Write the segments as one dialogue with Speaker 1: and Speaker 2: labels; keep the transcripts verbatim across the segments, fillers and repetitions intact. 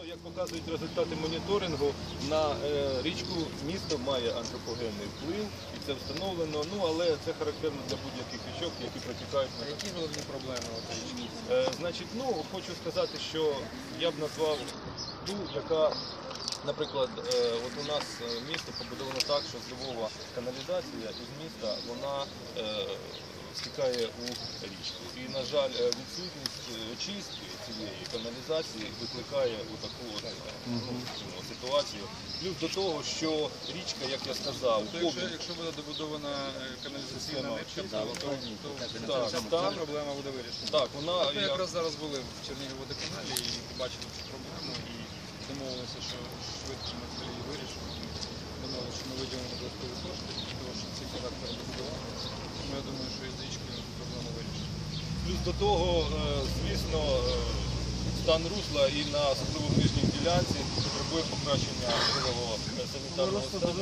Speaker 1: Як показують результати моніторингу, на е, річку місто має антропогенний вплив, і це встановлено, ну, але це характерно для будь-яких річок, які протікають на
Speaker 2: Які головні проблеми у річки?
Speaker 1: Е, значить, ну, хочу сказати, що я б назвав ту, яка, наприклад, е, от у нас місто побудовано так, що з Львова каналізація із міста, вона е, стікає у річку. І, на жаль, відсутність очистки цієї каналізації викликає у таку от, ну, ситуацію. Плюс до того, що річка, як я сказав,
Speaker 2: Тобто, якщо, якщо буде добудована каналізаційна нитка, то, то, то, то
Speaker 1: так,
Speaker 2: ця,
Speaker 1: так,
Speaker 2: ця проблема буде вирішена.
Speaker 1: Так, вона...
Speaker 2: Ми
Speaker 1: я...
Speaker 2: якраз зараз були в Черніговводоканалі і побачили цю проблему і домовилися, що швидко ми це її вирішимо. Домовилися, що ми виділимо додаткові кошти, для того, щоб цей характер добудувати. Тому я думаю, що із річкою проблема вирішена.
Speaker 1: Плюс до того, звісно, стан русла і на особливо в нижній ділянці потребує покращення можливого санітарного стану.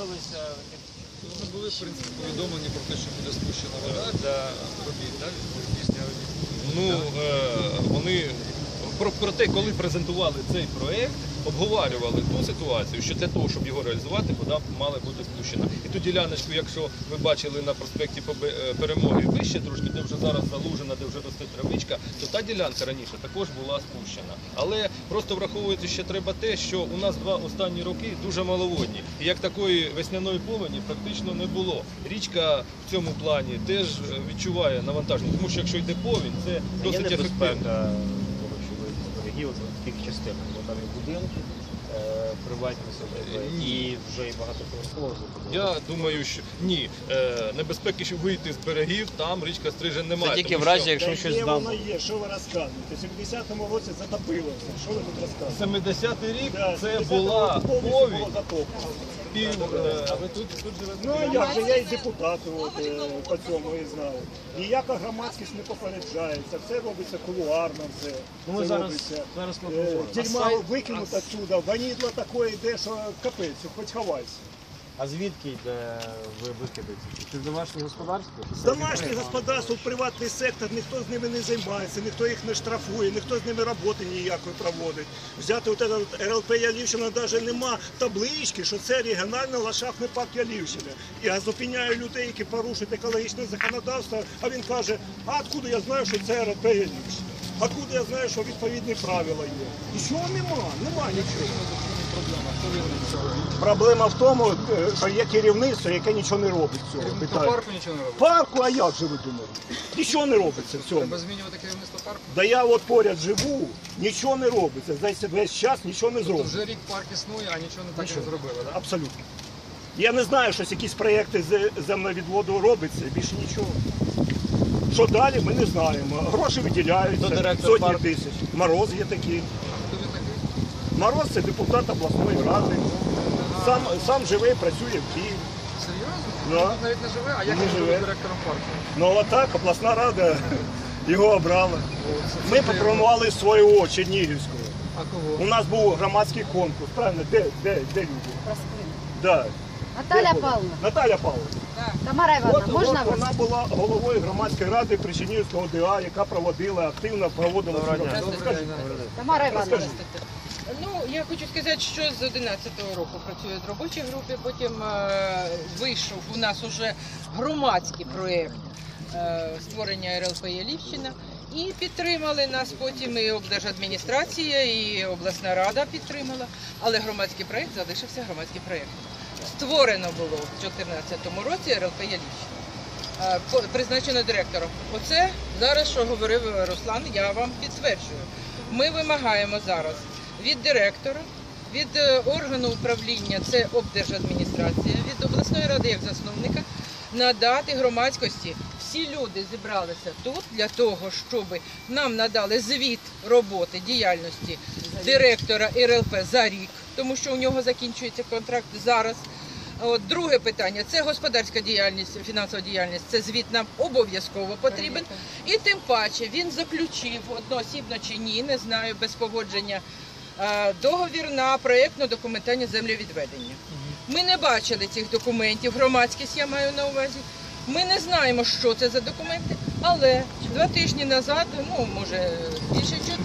Speaker 2: Ми були, в принципі, повідомлені про те, що буде спущена вода для робіт, так? Після робіт.
Speaker 1: Ну, вони про, про те, коли презентували цей проєкт, обговорювали ту ситуацію, що для того, щоб його реалізувати, вода мала бути спущена. І ту діляночку, якщо ви бачили на проспекті Перемоги вище трошки, де вже зараз залужена, де вже росте травичка, то та ділянка раніше також була спущена. Але просто враховується ще треба те, що у нас два останні роки дуже маловодні. І як такої весняної повені практично не було. Річка в цьому плані теж відчуває навантаження, тому що якщо йде повінь, це досить ефективно.
Speaker 3: В тих частинах, бо там і будинки, приватні садиби, і вже і багатоповерхові.
Speaker 1: Я думаю, що ні. Небезпеки, щоб вийти з берегів, там річка Стрижень немає.
Speaker 3: Це тільки в разі, якщо
Speaker 4: Та
Speaker 3: щось
Speaker 4: є,
Speaker 3: здам.
Speaker 4: воно є, що ви розказуєте? В сімдесятому році затопилося, що ви тут розказуєте?
Speaker 1: семидесятий рік
Speaker 4: Да,
Speaker 1: це
Speaker 4: семидесятому
Speaker 1: була
Speaker 4: році повністю
Speaker 1: повінь.
Speaker 4: було затоплено.
Speaker 1: Пів, а ви тут, тут живете?
Speaker 4: Ну, а як же, я і депутат от, е, по цьому і знаю. Ніяка громадськість не попереджається, все робиться кулуарно, все.
Speaker 3: Ну, ми
Speaker 4: Це
Speaker 3: зараз,
Speaker 4: робиться.
Speaker 3: зараз ми
Speaker 4: Е,
Speaker 3: поговоримо.
Speaker 4: Тюрьма викинуть отсюда, ванідло таке йде, що капець, хоч ховайся.
Speaker 3: А звідки йде ви викидаєте? Чи з домашнього господарства?
Speaker 4: Домашнє господарство, приватний сектор, ніхто з ними не займається, ніхто їх не штрафує, ніхто з ними роботи ніякої проводить. Взяти от этот РЛП Ялівщина навіть нема таблички, що це регіональний ландшафтний парк Ялівщина. Я зупиняю людей, які порушують екологічне законодавство, а він каже, а откуда я знаю, що це РЛП Ялівщина? Откуда я знаю, що відповідні правила є? Нічого нема, нема нічого. Проблема в тому, що є керівництво, яке нічого не робить цього.
Speaker 2: Керівництво парку нічого не робить?
Speaker 4: Парку, а як же ви думаєте? Нічого не робиться в цьому.
Speaker 2: Треба змінювати керівництво парку?
Speaker 4: Да я от поряд живу, нічого не робиться. За весь час нічого не
Speaker 2: Тобто
Speaker 4: зробиться.
Speaker 2: вже рік парк існує, а нічого не так і не зробили, так?
Speaker 4: Абсолютно. Я не знаю, що якісь проєкти з землевідводу робиться, більше нічого. Що далі, ми не знаємо. Гроші виділяються, сотні тисяч. Мороз є такий.
Speaker 2: Хто він такий?
Speaker 4: Мороз – це депутат обласної ради. Сам, сам живе і працює в Києві.
Speaker 2: Серйозно?
Speaker 4: Да.
Speaker 2: Він тут навіть не живе, а як
Speaker 4: Не
Speaker 2: він
Speaker 4: живе.
Speaker 2: буде директором парку?
Speaker 4: Ну отак, обласна рада його обрала. Ми пропонували свого Чернігівського.
Speaker 2: А кого?
Speaker 4: У нас був громадський конкурс, правильно? Де, де, де люди? Да.
Speaker 5: Наталя
Speaker 4: Де були?
Speaker 5: Павловна,
Speaker 4: Наталя Павловна.
Speaker 5: Тамара
Speaker 4: От,
Speaker 5: Івановна, можна
Speaker 4: от
Speaker 5: вас?
Speaker 4: вона була головою громадської ради Причинівського ДА, яка проводила, активно проводила цю роботу. Розкажіть.
Speaker 5: Тамара Івановна.
Speaker 4: Розкажіть.
Speaker 6: Ну, я хочу сказати, що з одинадцятого року працюю в робочій групі, потім е, вийшов у нас уже громадський проєкт е, створення РЛП Ялівщина. І підтримали нас потім і облдержадміністрація, і обласна рада підтримала. Але громадський проєкт залишився громадський проєкт. Створено було в дві тисячі чотирнадцятому році РЛП Ялівщина. Е, по- призначено директором. Оце зараз, що говорив Руслан, я вам підтверджую. Ми вимагаємо зараз від директора, від е, органу управління, це облдержадміністрація, від обласної ради як засновника, надати громадськості. Всі люди зібралися тут для того, щоб нам надали звіт роботи, діяльності директора РЛП за рік, тому що у нього закінчується контракт зараз. От, друге питання – це господарська діяльність, фінансова діяльність, це звіт нам обов'язково потрібен. І тим паче він заключив, одноосібно чи ні, не знаю, без погодження, е, договір на проєктну документацію землевідведення. Ми не бачили цих документів, громадськість я маю на увазі. Ми не знаємо, що це за документи, але два тижні назад, ну, може, більше чуть,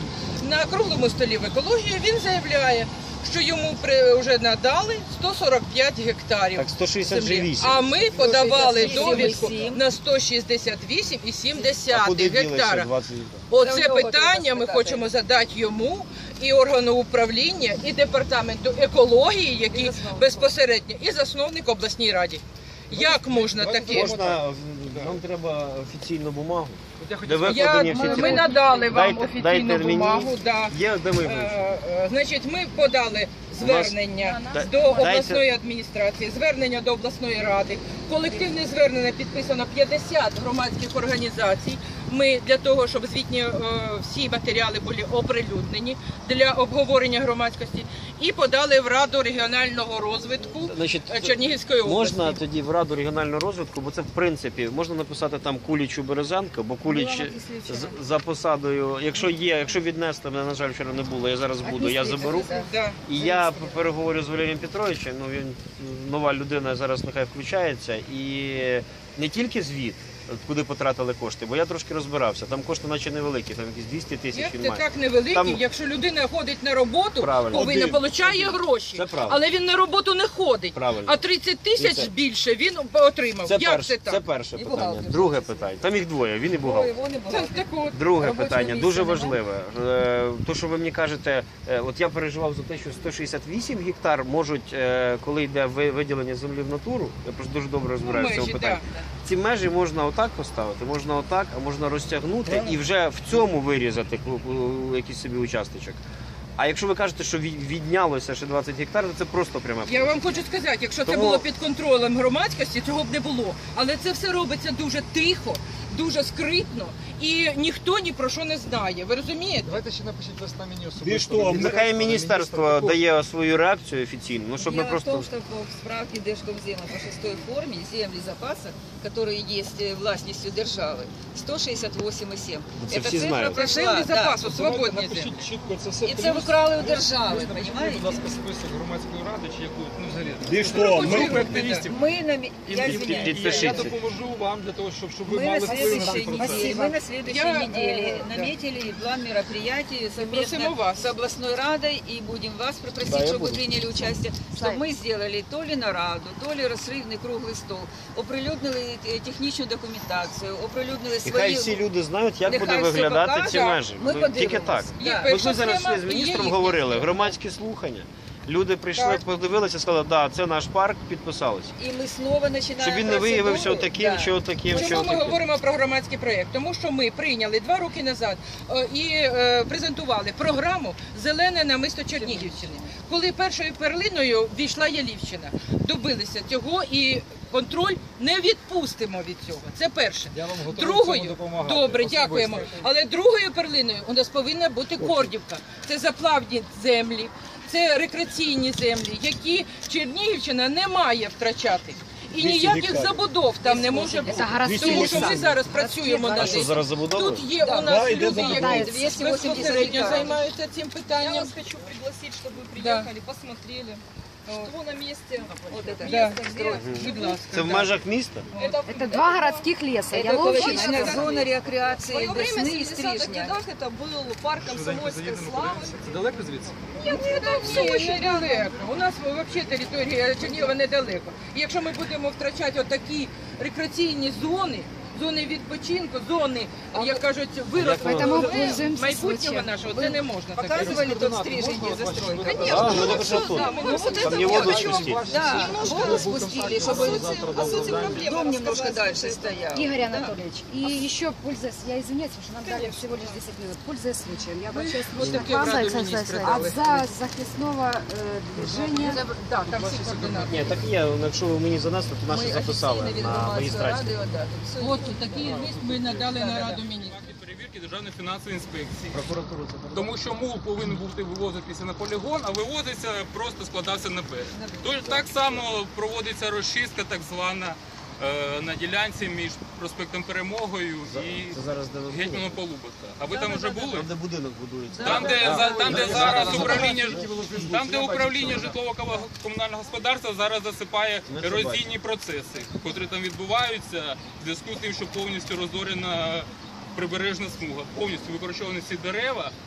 Speaker 6: на круглому столі в екології він заявляє, що йому при- вже надали сто сорок п'ять гектарів.
Speaker 3: Так, сто шістдесят
Speaker 6: землі.
Speaker 3: вісім.
Speaker 6: А ми подавали
Speaker 5: сто шістдесят вісім
Speaker 6: довідку на сто шістдесят вісім і сім
Speaker 3: А
Speaker 6: десятих
Speaker 3: куди ділися
Speaker 6: гектара.
Speaker 3: двадцять гектарів?
Speaker 5: Це
Speaker 6: Оце
Speaker 5: у нього треба
Speaker 6: питання ми
Speaker 5: спитати.
Speaker 6: хочемо задати йому і органу управління, і департаменту екології, який безпосередньо, і засновник обласній раді. Як можна таке?
Speaker 3: Можна, нам треба офіційну бумагу, де
Speaker 6: Я,
Speaker 3: викладені всі ці
Speaker 6: ми надали вам
Speaker 3: Дайте-
Speaker 6: офіційну
Speaker 3: дайте мені.
Speaker 6: бумагу. Да.
Speaker 3: Є, де ми
Speaker 6: Е, е, Значить, ми подали звернення
Speaker 3: Да-
Speaker 6: до
Speaker 3: дайте-
Speaker 6: обласної адміністрації, звернення до обласної ради. Колективне звернення підписано п'ятдесят громадських організацій. Ми для того, щоб звітні е, всі матеріали були оприлюднені для обговорення громадськості, і подали в Раду регіонального розвитку
Speaker 3: Значить,
Speaker 6: е, Чернігівської області.
Speaker 3: можна тоді в Раду регіонального розвитку, бо це в принципі можна написати там Кулічу Березенко, бо Куліч з- за посадою, якщо є, якщо віднести, мене, на жаль, вчора не було, я зараз буду, я заберу.
Speaker 6: Да.
Speaker 3: І я переговорю з Валерієм Петровичем, ну він нова людина, зараз нехай включається, і не тільки звіт, куди потратили кошти, бо я трошки розбирався, там кошти наче невеликі, там якісь двісті тисяч
Speaker 6: Як
Speaker 3: він
Speaker 6: це
Speaker 3: має.
Speaker 6: так невеликі,
Speaker 3: Там-
Speaker 6: якщо людина ходить на роботу,
Speaker 3: Правильно.
Speaker 6: повинна
Speaker 4: Один.
Speaker 6: получає гроші,
Speaker 3: Це правильно.
Speaker 6: але він на роботу не ходить.
Speaker 3: Правильно.
Speaker 6: А тридцять тисяч
Speaker 3: І це-
Speaker 6: більше він отримав.
Speaker 3: Це,
Speaker 6: Як
Speaker 3: перше,
Speaker 6: це так?
Speaker 3: це перше
Speaker 5: І
Speaker 3: питання.
Speaker 5: бухгалтер.
Speaker 3: Друге питання. Там їх двоє, він і бухгалтер.
Speaker 6: Це так от.
Speaker 3: Друге
Speaker 5: Робочого
Speaker 3: питання,
Speaker 5: місця
Speaker 3: дуже
Speaker 5: нема?
Speaker 3: важливе. Е, То, що ви мені кажете, е, от я переживав за те, що сто шістдесят вісім гектар можуть, е, коли йде ви- виділення землі в натуру, я просто дуже добре розбираюся в цьому
Speaker 6: Межі,
Speaker 3: питанні.
Speaker 6: да.
Speaker 3: Ці межі можна отак поставити, можна отак, а можна розтягнути і вже в цьому вирізати ку- ку- якийсь собі участочок. А якщо ви кажете, що від- віднялося ще двадцять гектарів, то це просто пряме.
Speaker 6: Я вам хочу сказати, якщо це
Speaker 3: Тому-
Speaker 6: було під контролем громадськості, цього б не було. Але це все робиться дуже тихо, дуже скритно, і ніхто ні про що не знає. Ви розумієте?
Speaker 2: Давайте ще напишіть листа мені особисто.
Speaker 4: Більш того, ми-
Speaker 3: Нехай міністерство дає свою реакцію офіційну, ну щоб ми
Speaker 7: Дело в
Speaker 3: просто...
Speaker 7: том, что по справке Держкомзема по шестой форме земли запаса, которые есть э, властностью державы, сто шестьдесят восемь и семь.
Speaker 3: Це
Speaker 7: Эта
Speaker 3: всі
Speaker 7: цифра
Speaker 3: знають.
Speaker 6: Це
Speaker 7: прошла,
Speaker 6: землі
Speaker 7: да.
Speaker 6: запасу, свободні землі.
Speaker 2: Напишіть чітко це все.
Speaker 7: І це викрали у держави,
Speaker 2: Напишіть, будь
Speaker 7: понімаєте?
Speaker 2: ласка, список громадської ради чи яку, ну взагалі.
Speaker 4: Більш того, ми,
Speaker 2: Групи активістів.
Speaker 7: Мы на, ми-
Speaker 2: І,
Speaker 7: я
Speaker 2: і- і-
Speaker 7: извиняюсь.
Speaker 2: і я
Speaker 3: Підпишіться.
Speaker 2: допоможу вам для того, щоб, щоб ви
Speaker 7: Мы
Speaker 2: мали
Speaker 7: на
Speaker 2: вплив на цей
Speaker 7: следующей
Speaker 2: процес.
Speaker 7: неделе, мы на следующей
Speaker 6: Я,
Speaker 7: неделе
Speaker 6: э, да.
Speaker 7: наметили план мероприятий совместно
Speaker 6: Просим у вас.
Speaker 7: с областной радой и будем вас попросить,
Speaker 3: Да, я
Speaker 7: чтобы
Speaker 3: буду.
Speaker 7: вы приняли участие,
Speaker 5: Славик.
Speaker 7: чтобы мы сделали то ли нараду, то ли розривний круглий стол, оприлюднили е, технічну документацію, оприлюднили
Speaker 3: І
Speaker 7: свої...
Speaker 3: хай всі люди знають, як
Speaker 7: Нехай
Speaker 3: буде
Speaker 7: все
Speaker 3: виглядати
Speaker 7: покаже.
Speaker 3: ці межі.
Speaker 7: Ми
Speaker 3: Ну,
Speaker 7: подивимось.
Speaker 3: Тільки так.
Speaker 6: Є
Speaker 7: Да.
Speaker 3: Ми
Speaker 6: перша
Speaker 3: ж зараз
Speaker 6: схема,
Speaker 3: з
Speaker 6: і
Speaker 3: міністром
Speaker 6: є
Speaker 3: говорили,
Speaker 6: їхня.
Speaker 3: громадські слухання. Люди прийшли,
Speaker 6: Так.
Speaker 3: подивилися, сказали, да, це наш парк, підписалися.
Speaker 7: І ми знову починаємо
Speaker 3: Щоб він не виявився
Speaker 7: процедуру.
Speaker 3: отаким,
Speaker 7: Да.
Speaker 3: чи отаким, чи
Speaker 6: Чому ми
Speaker 3: отаким.
Speaker 6: говоримо про громадський проєкт? Тому що ми прийняли два роки назад е, і е, презентували програму «Зелене намисто Чернігівщини», коли першою перлиною війшла Ялівщина. Добилися цього і контроль не відпустимо від цього. Це перше.
Speaker 2: Я вам готовий в цьому
Speaker 6: Другою,
Speaker 2: допомагати.
Speaker 6: добре,
Speaker 2: особисто.
Speaker 6: дякуємо. Але другою перлиною у нас повинна бути Кордівка. Це заплавні землі, це рекреаційні землі, які Чернігівщина не має втрачати. І
Speaker 4: двісті
Speaker 6: ніяких
Speaker 4: гектарів.
Speaker 6: забудов там не може бути.
Speaker 5: Це городські
Speaker 6: Тому що ми
Speaker 5: ліса.
Speaker 6: зараз працюємо
Speaker 5: А
Speaker 6: над
Speaker 3: А що
Speaker 6: цим.
Speaker 3: зараз забудовують?
Speaker 6: Тут є у
Speaker 4: Да,
Speaker 6: нас
Speaker 4: йде
Speaker 6: люди,
Speaker 4: забудова.
Speaker 6: які
Speaker 7: двісті вісімдесят
Speaker 6: безпосередньо
Speaker 7: гектарів.
Speaker 6: займаються цим
Speaker 8: Я
Speaker 6: питанням.
Speaker 8: вас хочу пригласить, чтобы вы
Speaker 6: Да.
Speaker 8: приехали, посмотрели, что на месте.
Speaker 7: Вот это
Speaker 6: Да.
Speaker 8: Место, где...
Speaker 6: Будь ласка.
Speaker 3: Це в
Speaker 6: да.
Speaker 3: межах міста?
Speaker 8: Это,
Speaker 5: Это два городских леса.
Speaker 7: Это
Speaker 5: Яловщина.
Speaker 7: экологичная зона
Speaker 8: В
Speaker 7: рекреации
Speaker 8: свое время, в
Speaker 7: весны и
Speaker 8: семидесятых
Speaker 7: стрижня.
Speaker 8: годах, это был парк комсомольской славы.
Speaker 2: Це далеко звідси?
Speaker 8: Нет, это все
Speaker 6: Ні,
Speaker 8: очень рядом.
Speaker 6: недалеко. У нас взагалі територія Чернігова недалеко. І якщо ми будемо втрачати отакі рекреаційні зони, зони відпочинку, зони, як кажуть, вирослого
Speaker 5: Поэтому пользуемся
Speaker 6: майбутнього
Speaker 5: случаем.
Speaker 6: нашого, це не можна таке.
Speaker 7: Показывали тот стрижень, где застройка?
Speaker 8: Конечно,
Speaker 3: Да,
Speaker 8: ну,
Speaker 3: ну,
Speaker 8: вот
Speaker 3: это
Speaker 8: что,
Speaker 3: что
Speaker 8: да,
Speaker 3: тут?
Speaker 8: мы вот
Speaker 3: Там
Speaker 8: это
Speaker 3: не
Speaker 8: вот
Speaker 3: воду
Speaker 8: хочу
Speaker 3: спустить.
Speaker 7: Да,
Speaker 8: немножко
Speaker 7: воду спустили,
Speaker 8: о
Speaker 7: чтобы
Speaker 8: сути, о сути проблемы
Speaker 7: дом немножко
Speaker 8: рассказать.
Speaker 7: дальше стоял.
Speaker 5: Игорь Анатольевич, и еще, пользуясь, я извиняюсь, потому что нам дали всего лишь десять минут, пользуясь случаем, я обращаюсь
Speaker 6: Вот
Speaker 5: лично
Speaker 6: такие
Speaker 5: к вам
Speaker 6: в Раду министра
Speaker 5: от
Speaker 6: дали.
Speaker 5: за захисного э, движения.
Speaker 6: Так, там всі координати.
Speaker 3: Ні, так є, якщо ви мені занесли, то наші записали
Speaker 7: офіційно від
Speaker 3: на
Speaker 7: громадської
Speaker 3: магістраті.
Speaker 7: ради, да, тут все
Speaker 6: От такий лист ми надали на Раду міністрів.
Speaker 9: Перевірки Державної фінансової інспекції.
Speaker 2: Прокуратура це передала?
Speaker 9: Тому що мул повинен бути вивозитися на полігон, а вивозиться, просто складався на берег. Тож так само проводиться розчистка так звана е, на ділянці між проспектом Перемогою і
Speaker 3: Це зараз де ви були?
Speaker 9: Гетьманом Полубота. А ви там вже були?
Speaker 3: Там, де будинок будується.
Speaker 9: Там, де,
Speaker 3: Так.
Speaker 9: за- там, де зараз управління,
Speaker 2: Фейсбуці,
Speaker 9: там, де
Speaker 2: я бачу,
Speaker 9: управління
Speaker 2: що-
Speaker 9: житлово комунального господарства зараз засипає
Speaker 3: Ми це
Speaker 9: ерозійні процеси, котрі там відбуваються в зв'язку з тим, що повністю розорена прибережна смуга, повністю викорчовані всі дерева.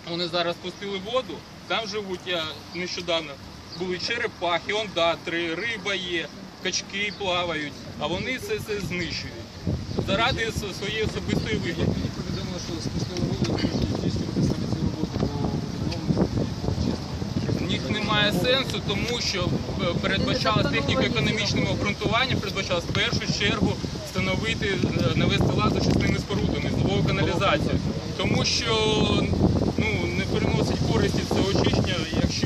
Speaker 9: вони зараз пустили воду, там живуть, я нещодавно, були черепахи, ондатри, риба є, качки плавають, а вони це, це знищують заради своєї особистої вигоди.
Speaker 2: Мені повідомили, що спустили воду, тому що здійснювати саме ці роботи по відновленню і по очистку.
Speaker 9: В них немає сенсу, тому що передбачалось техніко-економічним обґрунтуванням, передбачалось в першу чергу встановити, навести лад за чисними спорудами, зловою каналізацію. Тому що ну, не переносить користі це очищення, якщо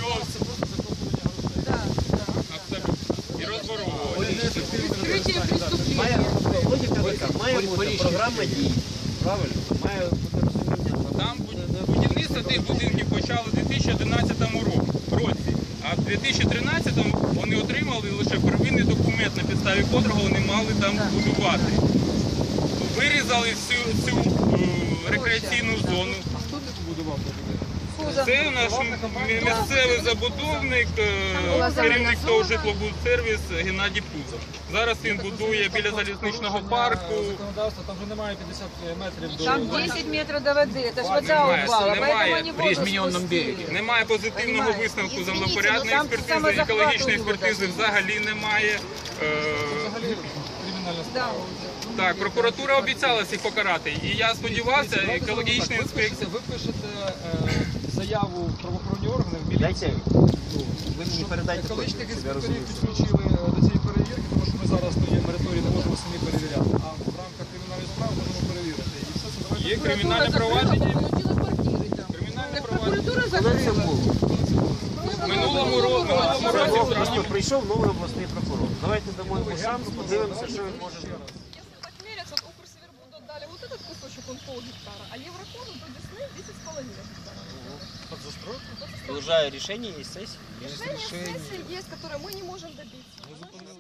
Speaker 9: абсолютно і розворовування.
Speaker 3: Має логіка така, має бути програма дій. Правильно? Має бути розуміння.
Speaker 9: Там будівництво тих будинків почали у дві тисячі одинадцятому році, а в дві тисячі тринадцятому вони отримали лише первинний документ, на підставі котрого вони мали там будувати. Вирізали всю цю е, рекреаційну зону.
Speaker 2: Хто тут будував?
Speaker 9: Це наш місцевий забудовник, е, керівник того житлобудсервіс Геннадій Пузов. Зараз він будує біля залізничного парку.
Speaker 2: Законодавство, там вже немає п'ятдесят метрів до...
Speaker 7: Там десять метров до воды, это ж вода
Speaker 9: Немає,
Speaker 7: упала,
Speaker 9: немає.
Speaker 7: поэтому они воду спустили.
Speaker 9: Немає позитивного
Speaker 7: Понимаете?
Speaker 9: висновку
Speaker 7: Извините,
Speaker 9: землепорядної
Speaker 7: ну там
Speaker 9: експертизи,
Speaker 7: самозахват
Speaker 9: екологічної
Speaker 7: у людей.
Speaker 9: експертизи взагалі немає. Е,
Speaker 2: Взагалі кримінальна справа.
Speaker 9: Так, прокуратура обіцяла всіх покарати. І я сподівався, екологічна
Speaker 2: Ви
Speaker 9: інспекція.
Speaker 2: пишете, ви пишете е, заяву в правоохоронні органи, в
Speaker 3: Дайте,
Speaker 2: міліцію.
Speaker 3: ви мені передайте
Speaker 2: Екологічних
Speaker 3: точно, щоб я
Speaker 2: інспекторів
Speaker 3: розумів.
Speaker 2: підключили до цієї перевірки, тому що ми зараз на є мораторії, не можемо самі перевіряти. А в рамках кримінальної справи можемо перевірити. І все це давайте.
Speaker 9: Є кримінальне провадження.
Speaker 6: Получила квартири там.
Speaker 9: Кримінальне
Speaker 6: Так
Speaker 9: провадження.
Speaker 6: прокуратура
Speaker 3: Коли це
Speaker 6: закрила.
Speaker 3: було?
Speaker 9: В минулому ро- минулому
Speaker 3: Це
Speaker 9: році
Speaker 3: було,
Speaker 9: в травні.
Speaker 3: просто прийшов новий обласний прокурор. Давайте дамо йому шанс, подивимося, що він може зробити.
Speaker 8: Если так мерять, вот Укрсевербуду отдали вот этот кусочек, он пол гектара, а Еврокону до Десны десять с половиной гектара.
Speaker 2: Под застройку?
Speaker 3: І вже рішення є сесії?
Speaker 8: Решение сессии есть, которое мы не можем добиться.